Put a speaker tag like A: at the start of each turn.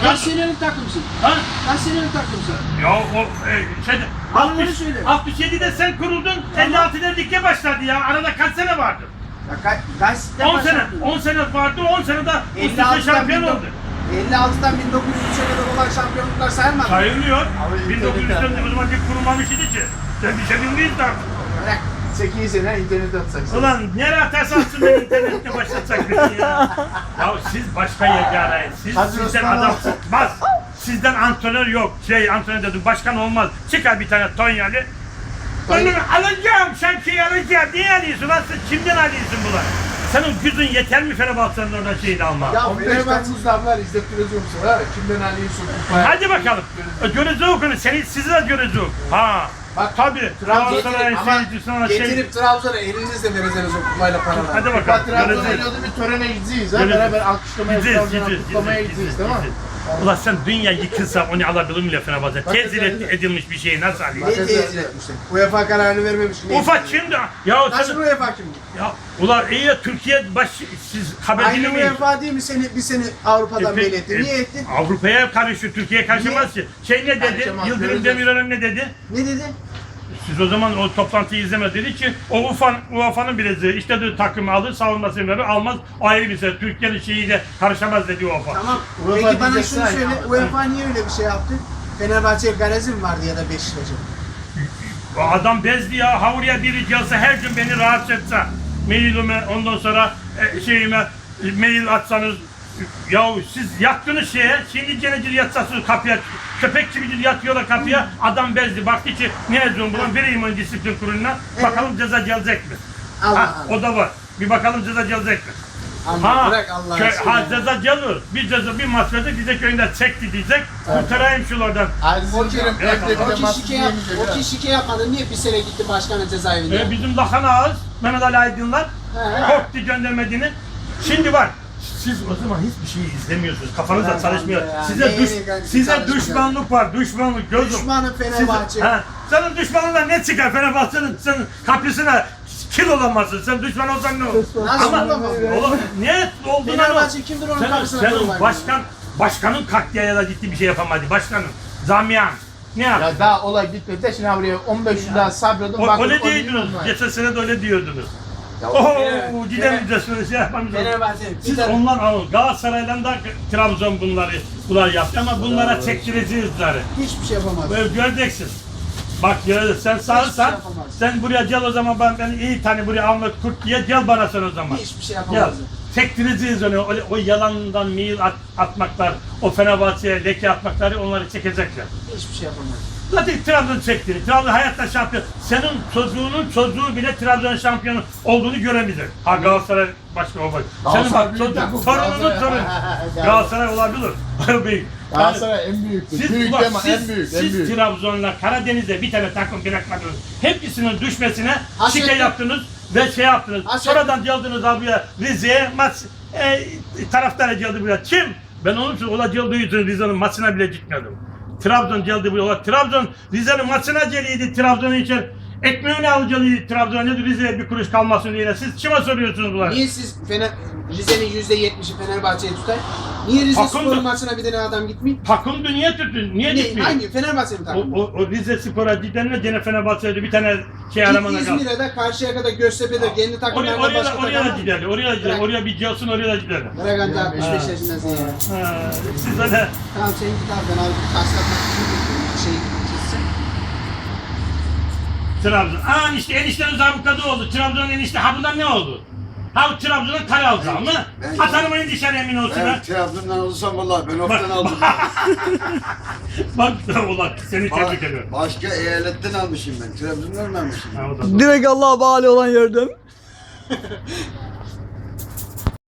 A: Kaç senelik takımsın?
B: Ha?
A: Kaç senelik takımsın?
B: Ya o şeyde
A: Bana söyle.
B: 67'de sen kuruldun,
A: Tamam.
B: 56'da lige başladı ya. Arada kaç sene vardı?
A: Ya kaç
B: 10 sene. 10 sene vardı, 10 senede üst üste
A: 56'dan
B: şampiyon oldu.
A: 56'dan 1903'e kadar olan şampiyonluklar sayılmaz.
B: Sayılmıyor.
C: Abi,
B: 1900'de o zaman lig kurulmamış idi ki. Sen bir şey bilmiyorsun artık.
A: Bırak.
C: 8 sene internet atacaksın.
B: Ulan nereye atarsan atsın ben internette başlatacak beni ya. Ya siz başka yerde arayın.
C: Hadi
B: Sizden
C: Osman
B: adam
C: abi.
B: çıkmaz. Sizden antrenör yok. Antrenör dedim başkan olmaz. Çıkar bir tane Tonyalı. Ben bunu alacağım, şemsiyeyi alacağım. Niye alıyorsun lan sen? Kimden alıyorsun bunlar? Senin gücün yeter mi Fenerbahçe'nin oradan şeyini alma?
C: Ya 15 Temmuz damlar izlettiriyorsun ha. Kimden alıyorsun kupaya?
B: Hadi bakalım. Göreceğiz okunu. Sizi de göreceğiz. Ha.
C: Bak,
B: Tabii. Galatasaray'ın
A: Ama
B: seyircisine şey...
A: getirip Trabzon'a elinizle vereceğiniz o kupayla paralar.
B: Hadi
C: Kupa
B: bakalım.
C: Trabzon'a
B: Göreceğiz.
C: geliyordu bir törene gideceğiz ha.
B: Göreceğiz.
C: Beraber alkışlamaya
B: Gideceğiz,
C: Trabzon'a kutlamaya gideceğiz tamam mı?
B: Ulan sen dünya yıkılsa onu alabilir mi Fenerbahçe? Tezir edilmiş bir şeyi nasıl
A: Ne
B: alayım?
A: teyit etmişler? UEFA kararını vermemiş.
B: Ufak şimdi ya
A: Nasıl
B: sen
A: UEFA kimdi?
B: ya ulan iyi ya Türkiye siz habercini
A: Aynı
B: mi?
A: UEFA değil mi bir seni Avrupa'dan belli etti? Niye ettin?
B: Avrupa'ya karışıyor, Türkiye'ye karışamaz ki. Şey ne dedi?
C: Karışamaz,
B: Yıldırım
C: göreceğiz.
B: Demirören ne dedi?
A: Ne dedi?
B: Siz o zaman o toplantıyı izlemez dedi ki o UEFA'nın bileziği işte de takımı alır savunmasını verir almaz ayrı bir şey. Türkiye'nin şeyiyle karışamaz dedi UEFA.
A: Tamam.
C: UEFA
A: Peki bana
C: diyeceksin
A: şunu
C: ha
A: söyle.
C: ya.
A: UEFA niye öyle bir şey yaptı? Fenerbahçe'ye garezi mi vardı ya da Beşiktaş'a?
B: O adam bezdi ya havluya biri gelse her gün beni rahatsız etse mailime ondan sonra şeyime mail atsanız ya siz yattınız şimdi cenecil yatsasınız kapıya köpek gibi yatıyorlar kapıya adam bezdi baktı ki ne yazıyorum buna vereyim onu disiplin kuruluna bakalım ceza gelecek mi?
A: Allah
B: Ha,
A: Allah.
B: o da var bir bakalım ceza gelecek mi?
A: Ama bırak Allah'ın
B: Ha ceza gelir bir maç verdik diyecek köyünde çekti diyecek kurtarayım şuralardan.
C: Aziz'in Kerim evde bir de maçı yemeyecek.
A: O kişi şike yapmadı. Niye bir sene gitti başkanın cezaevinde?
B: Bizim Lahan Ağız, Mehmet Ali Aydınlar
A: He.
B: korktu göndermediğini. Şimdi var. Siz o zaman hiçbir şey izlemiyorsunuz. Kafanızda
A: Ulan
B: çalışmıyor.
A: ya,
B: Size
A: neyini kanka
B: size
A: çalışmıyor?
B: düşmanlık var. Düşmanlık gözüm.
A: Düşmanı Fenerbahçe.
B: Senin düşmanından ne çıkar Fenerbahçe'nin senin kapısına kil olamazsın. Sen düşman olsan ne olur?
A: Nasıl
B: Ama
A: olamaz?
B: ne olduğunu
A: Fenerbahçe kimdir onun kapısına
B: senin
A: koymak?
B: başkanın kalktı ya da gitti bir şey yapamadı. Başkanın. Zamiyan. Ne yaptı?
C: Ya daha olay bitmedi de şimdi buraya 15 yıl daha sabredin.
B: Öyle diyordunuz. Geçen sene de öyle diyordunuz.
C: Ya
B: Ooo gidelim de şöyle şey yapmamız lazım.
A: Fenerbahçe.
B: Siz onlar alın. Galatasaray'dan da Trabzon bunlar yaptı ama bunlara çektireceğiz bunları.
A: Hiçbir şey yapamaz.
B: Böyle göreceksin. Bak ya sen sağırsan
A: yapamaz.
B: sen buraya gel o zaman ben iyi tane buraya Ahmet Kurt diye gel bana sen o zaman.
A: Hiçbir şey
B: Gel.
A: yapamaz.
B: Çektireceğiz onu. O yalandan mail atmaklar, o Fenerbahçe'ye leke atmakları onları çekecekler.
A: Hiçbir şey yapamaz.
B: Zaten Trabzon çektiğini, Trabzon hayatta şampiyon. Senin çocuğunun çocuğu bile Trabzon şampiyonu olduğunu göremeyecek. Ha Galatasaray başka o bak. Senin bak çocuğun, torununun torunu. Galatasaray olabilir. Büyük.
C: Galatasaray en büyüktür.
B: Siz,
C: Büyük
B: ulan,
C: deme en büyük. En
B: siz
C: büyük.
B: Trabzon'la Karadeniz'de bir tane takım bırakmadınız. Hepsinin düşmesine
A: Hasret
B: şike
A: mi?
B: yaptınız ve şey yaptınız.
A: Hasret
B: Sonradan geldiniz abiye Rize'ye maç taraftarı geldi buraya. Kim? Ben onun için ola geldiği için Rize'nin maçına bile gitmedim. Trabzon geldi buraya. Trabzon Rize'nin maçına geliydi Trabzon'un için. Ekmeğini alacaktı Trabzon'a Rize'ye bir kuruş kalmasın diye. Siz kime soruyorsunuz bunları?
A: Niye siz Rize'nin %70'i Fenerbahçe'ye tutar? Niye Rize
B: Takımdır.
A: Spor maçına bir tane adam gitmiyor?
B: Takımdı niye tutun? Niye gitmiyor?
A: Hangi? Fenerbahçe mi takım?
B: O Rize Spor'a gidenle gene Fenerbahçe'de bir tane şey
A: Git
B: aramana kaldı.
A: İzmir'e de Karşıyaka'da Göztepe'de kendi takımlarında
B: Oraya
A: başka
B: da
A: takım.
B: giderler, oraya da giderler,
A: Bırak.
B: oraya bir gelsin, oraya da giderler.
A: Bırak anca 65 yaşındasın ya.
B: Siz de
A: Tamam sen git abi ben abi kaslatmak için şey gitsin.
B: Trabzon. İşte eniştenin zabıkada oldu. Trabzon'un enişte. Ha bundan ne oldu? Ha Trabzon'un kale aldı mı? Atanmayın dışarı emin olsun ha.
D: Ben Trabzon'dan olursam vallahi ben oftan aldım.
B: Bak ulan seni tebrik ediyorum.
D: Başka eyaletten almışım ben. Trabzon'dan almışım.
B: Ha, o da doğru.
E: Direkt Allah'a bağlı olan yerden.